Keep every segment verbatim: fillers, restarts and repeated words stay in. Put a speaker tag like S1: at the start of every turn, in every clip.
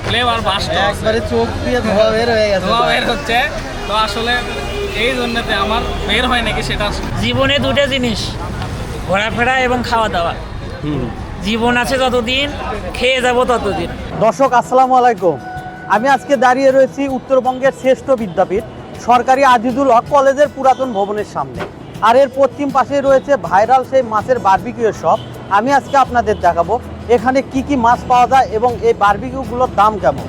S1: Flavour bast
S2: একবারে চোখ দিয়ে ধোয়া বের হয়ে গেছে
S1: ধোয়া বের হচ্ছে। তো আসলে এই জন্যতে আমার বের হয় নাকি সেটা।
S3: জীবনে দুটো জিনিস, ঘোরাফেরা এবং খাওয়া দাওয়া। জীবন আছে যতদিন, খেয়ে যাব ততদিন।
S2: দর্শক আসসালামু আলাইকুম, আমি আজকে দাঁড়িয়ে রয়েছি উত্তরবঙ্গের শ্রেষ্ঠ বিদ্যাপীঠ সরকারি আজিজুল হক কলেজের পুরাতন ভবনের সামনে। আর এর পশ্চিম পাশে রয়েছে ভাইরাল সেই মাছের বারবিকিউর শপ। আমি আজকে আপনাদের দেখাবো এখানে কি কি মাছ পাওয়া যায় এবং এই বারবিকিউগুলোর দাম কেমন।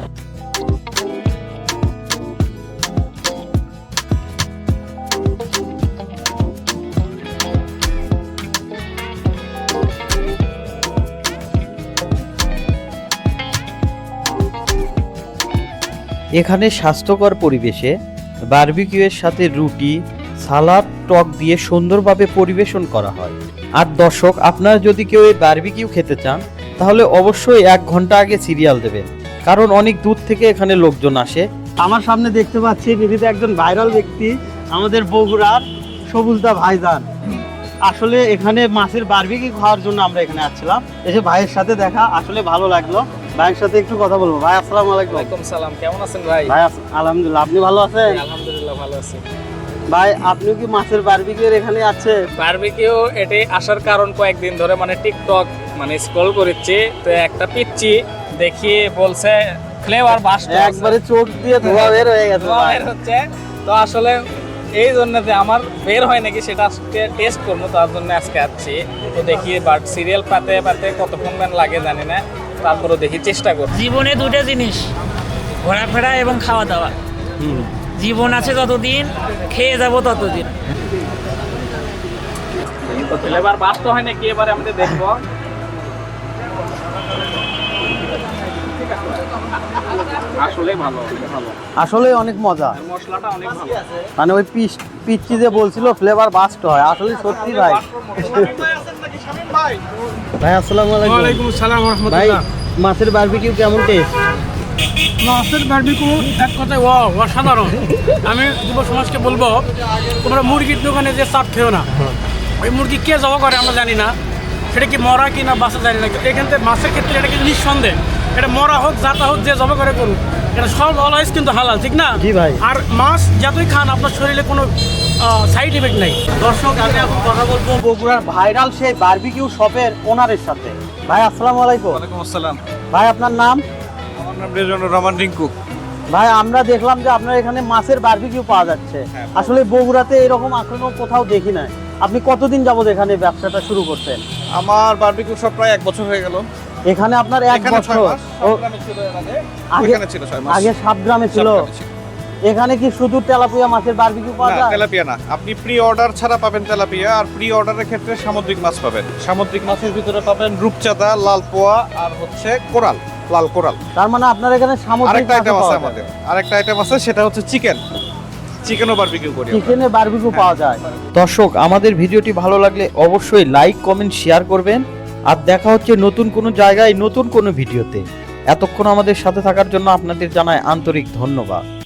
S2: এখানে স্বাস্থ্যকর পরিবেশে বারবিকিউয়ের সাথে রুটি, সালাদ, টক দিয়ে সুন্দরভাবে পরিবেশন করা হয়। আর দর্শক, আপনারা যদি কেউ এই বারবিকিউ খেতে চান তাহলে অবশ্যই এক ঘন্টা আগে সিরিয়াল দেবেন, কারণ অনেক দূর থেকে এখানে লোকজন আসে। আমার সামনে দেখতে পাচ্ছি নিহিত একজন ভাইরাল ব্যক্তি, আমাদের বগুড়ার সবুজদা ভাইজান। আসলে এখানে মাছের বারবিকিউ খাওয়ার জন্য আমরা এখানে আসছিলাম, এসে ভাইয়ের সাথে দেখা, আসলে ভালো লাগলো। ভাইয়ের সাথে একটু কথা বলবো। ভাই আসসালামু আলাইকুম।
S1: ওয়ালাইকুম সালাম, কেমন আছেন ভাই?
S2: ভাই আলহামদুলিল্লাহ, আপনি ভালো আছেন?
S1: আলহামদুলিল্লাহ ভালো আছি।
S2: ভাই আপনি কি মাছের বারবিকিউর এখানে আছে?
S1: বারবিকিউ এটি আসার কারণ কয়েকদিন ধরে মানে টিকটক মানে স্ক্রল করেছি, তো একটা পিচ্ছি দেখি বলছে ফ্লেভার বাস্ট,
S2: একবারে চোখ দিয়ে ধোয়া বের হয়ে গেছে।
S1: ধোয়া বের হচ্ছে। তো আসলে এই জন্য যে আমার বের হয় নাকি সেটা আজকে টেস্ট করবো, তার জন্য আজকে আসছি। তো দেখি বাট সিরিয়াল পাতে পাতে কতক্ষণ মান লাগে জানি না, তারপরে দেখি চেষ্টা করব।
S3: জীবনে দুটো জিনিস, ঘোরাফেরা এবং খাওয়া দাওয়া। জীবন আছে যতদিন, খেয়ে যাব ততদিন।
S1: তো ফ্লেভার বাস্ট হয় নাকি এবারে আমরা দেখবো। আসলে ভালো ভালো
S2: আসলে অনেক মজা,
S1: মশলাটা অনেক ভালো।
S2: মানে ওই পিস পিচ্ছি যে বলছিল ফ্লেভার বাস্ট হয়, আসলে সত্যি ভাই। ভাই আসসালামু আলাইকুম।
S4: ওয়ালাইকুম আসসালাম ওয়া
S2: ভাই
S4: রাহমাতুল্লাহ।
S2: মাছের বারবিকিউ কেমন টেস্ট?
S4: মাছের বারবিকিউ এক কথায় ও অসাধারণ। আমি যুব সমাজকে বলবো, তোমরা মুরগির দোকানে যে চাপ খেও না। ওই মুরগি কে জবা করে আমরা জানি না, সেটা কি মরা কি না বাসা জানি না, এখান থেকে মাছের ক্ষেত্রে এটা কিন্তু নিঃসন্দেহ, এটা মরা হোক জাতা হোক যে জবা করে করুক, এটা সব অলওয়েজ কিন্তু হালাল, ঠিক না?
S2: জি ভাই।
S4: আর মাছ যতই খান আপনার শরীরে কোনো সাইড এফেক্ট নাই।
S2: দর্শক, আমি এখন কথা বলবো বগুড়ার ভাইরাল সেই বারবিকিউ শপের ওনারের সাথে। ভাই আসসালামু আলাইকুম।
S5: ওয়ালাইকুম আসসালাম।
S2: ভাই আপনার নাম?
S5: আমার নাম রেজানুর রহমান রিঙ্কু।
S2: ভাই আমরা দেখলাম যে আপনার এখানে মাছের বারবিকিউ পাওয়া যাচ্ছে। আসলে বগুড়াতে এরকম এখনো কোথাও দেখি নাই। আপনি কতদিন যাবত এখানে ব্যবসাটা শুরু করতেন?
S5: আমার বারবিকিউ সব প্রায় এক বছর হয়ে গেল।
S2: এখানে আপনার এক
S5: এখানে ছয়
S2: বছর?
S5: মাস,
S2: ও,
S5: সাতগ্রামে ছিল এর আগে।
S2: আগে-
S5: ওখানে ছিল ছয় মাস।
S2: আগে সাতগ্রামে ছিল।
S5: সাতগ্রামে ছিল।
S2: এখানে কি শুধু তেলাপিয়া মাছের বারবিকিউ পাওয়া
S5: না,
S2: যায়?
S5: তেলাপিয়া না, আপনি প্রি অর্ডার ছাড়া পাবেন তেলাপিয়া, আর প্রি অর্ডারের ক্ষেত্রে সামুদ্রিক মাছ পাবেন। সামুদ্রিক মাছের ভিতরে পাবেন রূপচাঁদা, লাল পোয়া আর হচ্ছে কোরাল, লাল কোরাল।
S2: তার মানে আপনার এখানে সামুদ্রিক
S5: আরেকটা আইটেম
S2: মাছও
S5: আছে
S2: পাওয়া
S5: আমাদের,
S2: যায়।
S5: আরেকটা আইটেম আছে, সেটা হচ্ছে চিকেন। চিকেনও বারবিকিউ করি আমরা।
S2: চিকেনে বারবিকিউ পাওয়া যায়। দর্শক, আমাদের ভিডিওটি ভালো লাগলে অবশ্যই লাইক, কমেন্ট, শেয়ার করবেন। আর দেখা হচ্ছে নতুন কোনো জায়গায় নতুন কোনো ভিডিওতে। এতক্ষণ আমাদের সাথে থাকার জন্য আপনাদের জানাই আন্তরিক ধন্যবাদ।